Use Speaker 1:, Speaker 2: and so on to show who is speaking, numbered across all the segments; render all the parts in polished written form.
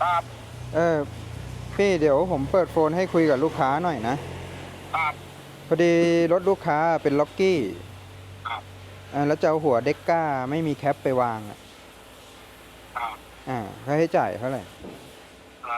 Speaker 1: ครับ
Speaker 2: เออพี่เดี๋ยวผมเปิดโฟนให้คุยกับลูกค้าหน่อยนะครับพอดีรถลูกค้าเป็นล็อกกี้
Speaker 1: ครับ
Speaker 2: แล้วจะเอาหัวเด็กก้าไม่มีแคปไปวาง
Speaker 1: ครับ
Speaker 2: ค่าใช้จ่ายเท่าไหร่
Speaker 1: อ่า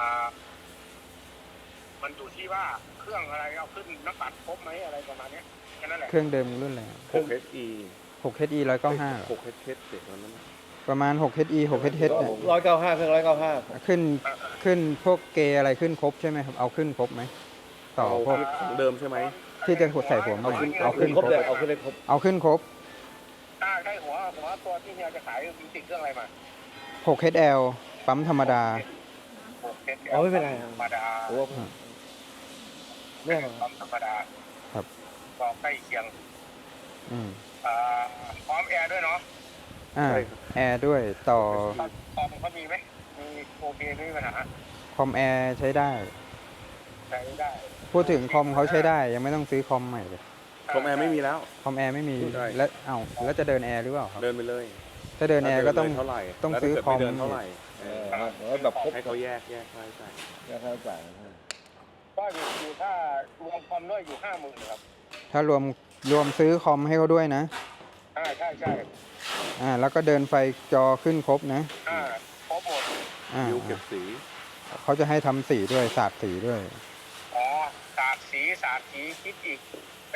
Speaker 1: มันอยู่ที่ว่าเครื่องอะไรเอาขึ้นน้ำตัดครบไหมอะไรประมาณเนี้ยแค่นั้นแหละ
Speaker 2: เครื่องเดิมรุ่นอะไร
Speaker 3: 6HE
Speaker 2: 6HE 195เหรอ
Speaker 3: 6HH เด็กวันนั้น
Speaker 2: ประมาณ 6HE 6HH เนี่ย
Speaker 4: 195เครื่อง195
Speaker 2: ขึ้นพวกเกย์อะไรขึ้นครบใช่ไหมครับเอาขึ้นครบไหมต่อพวก
Speaker 3: ของเดิมใช่ไหม
Speaker 2: ที่จะใส่หัวใหม่เอาขึ้น
Speaker 4: ครบเลยเอาขึ้นเลยครบ
Speaker 2: เอาขึ้นครบ
Speaker 1: ถ้าได้หัวตัวที่เฮียจะขายมีติดเครื่องอะไรมา
Speaker 2: 6HL ปั๊มธรรมดา
Speaker 4: อ๋อไม่เป็นไร
Speaker 1: ธรรมดา
Speaker 4: โอ้ไม่เอา
Speaker 1: ความธรรมดา
Speaker 2: ครับ
Speaker 1: ก็ใกล้เคียง
Speaker 2: อืม
Speaker 1: พร้อมแอร์ด้วยเนาะ
Speaker 2: แอร์ด้วยต่อ
Speaker 1: คอมเขามีไหมมีโอเคไม่มีปัญหา
Speaker 2: คอมแอร์ใช้ได้
Speaker 1: ใช้ได้
Speaker 2: พูดถึงคอมเขาใช้ได้ยังไม่ต้องซื้อคอมใหม่เลย
Speaker 3: คอมแอร์ไม่มีแล้ว
Speaker 2: คอมแอร์ไม่มี
Speaker 3: ใช่
Speaker 2: แล้วจะเดินแอร์หรือเปล่าครับ
Speaker 3: เดินไปเลย
Speaker 2: ถ้าเดินแอร์ก็ต้อง
Speaker 3: เท่าไหร่
Speaker 2: ต้อง
Speaker 3: แล้ว
Speaker 2: ซื้อ
Speaker 3: ถ้า
Speaker 2: คอม
Speaker 3: เกิดไเดินเท่าไหร่
Speaker 4: แบบครบ
Speaker 3: ให้เขาแยกค่าใช้จ่าย
Speaker 4: ค่าใช้จ่าย
Speaker 1: ก็อยู่ถ้ารวมคอมด้วยอยู่50,000ครับ
Speaker 2: ถ้ารวมซื้อคอมให้เขาด้วยนะ
Speaker 1: ใช่
Speaker 2: แล้วก็เดินไฟจอขึ้นครบนะ
Speaker 1: ครบหมด
Speaker 3: บิวเก็บสี
Speaker 2: เขาจะให้ทำสีด้วยสาดสีด้วย
Speaker 1: อ๋อสาดสีคิดอีก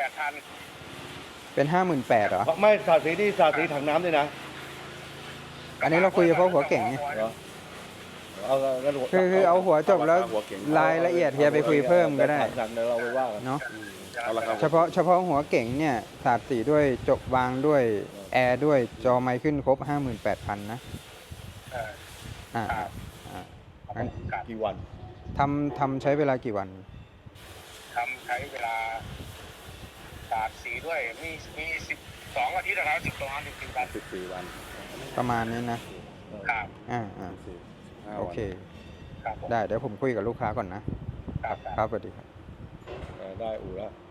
Speaker 1: 8,000
Speaker 2: เป็น58,000เหรอ
Speaker 4: ไม่สาดสีนี่สาดสีถังน้ำด้วยนะ
Speaker 2: อันนี้เราคุยเฉพาะหัวเก่งไง
Speaker 4: เหรอเอางั้น
Speaker 2: คือเอาหัวจบแล้วรายละเอียดเฮียไปคุยเพิ่มก็ได้
Speaker 4: ถังเดี๋ยวเราไปว่ากัน
Speaker 2: เนาะ
Speaker 3: เอาละครับ
Speaker 2: เฉพาะหัวเก่งเนี่ยสาดสีด้วยจบวางด้วยแอร์ด้วยจอไมค์ขึ้นครบ 58,000 นะ
Speaker 1: เออ
Speaker 2: อ่า
Speaker 1: ครับ
Speaker 2: งั้น
Speaker 1: ครับ
Speaker 4: กี่วัน
Speaker 2: ทำใช้เวลากี่วัน
Speaker 1: ใช้เวลาสาดสีด้วยมี12 อาทิตย์นะครับ12 อาทิตย์กัน
Speaker 3: 14 วัน
Speaker 2: ประมาณนี้นะ
Speaker 1: ครับ
Speaker 3: 15
Speaker 2: โอ
Speaker 3: วัน
Speaker 2: เค
Speaker 1: ครับผม
Speaker 2: ได้เดี๋ยวผมคุยกับลูกค้าก่อนนะ
Speaker 1: ครับ
Speaker 2: ครับสวัสดีครับ
Speaker 4: ได้อู่แล้ว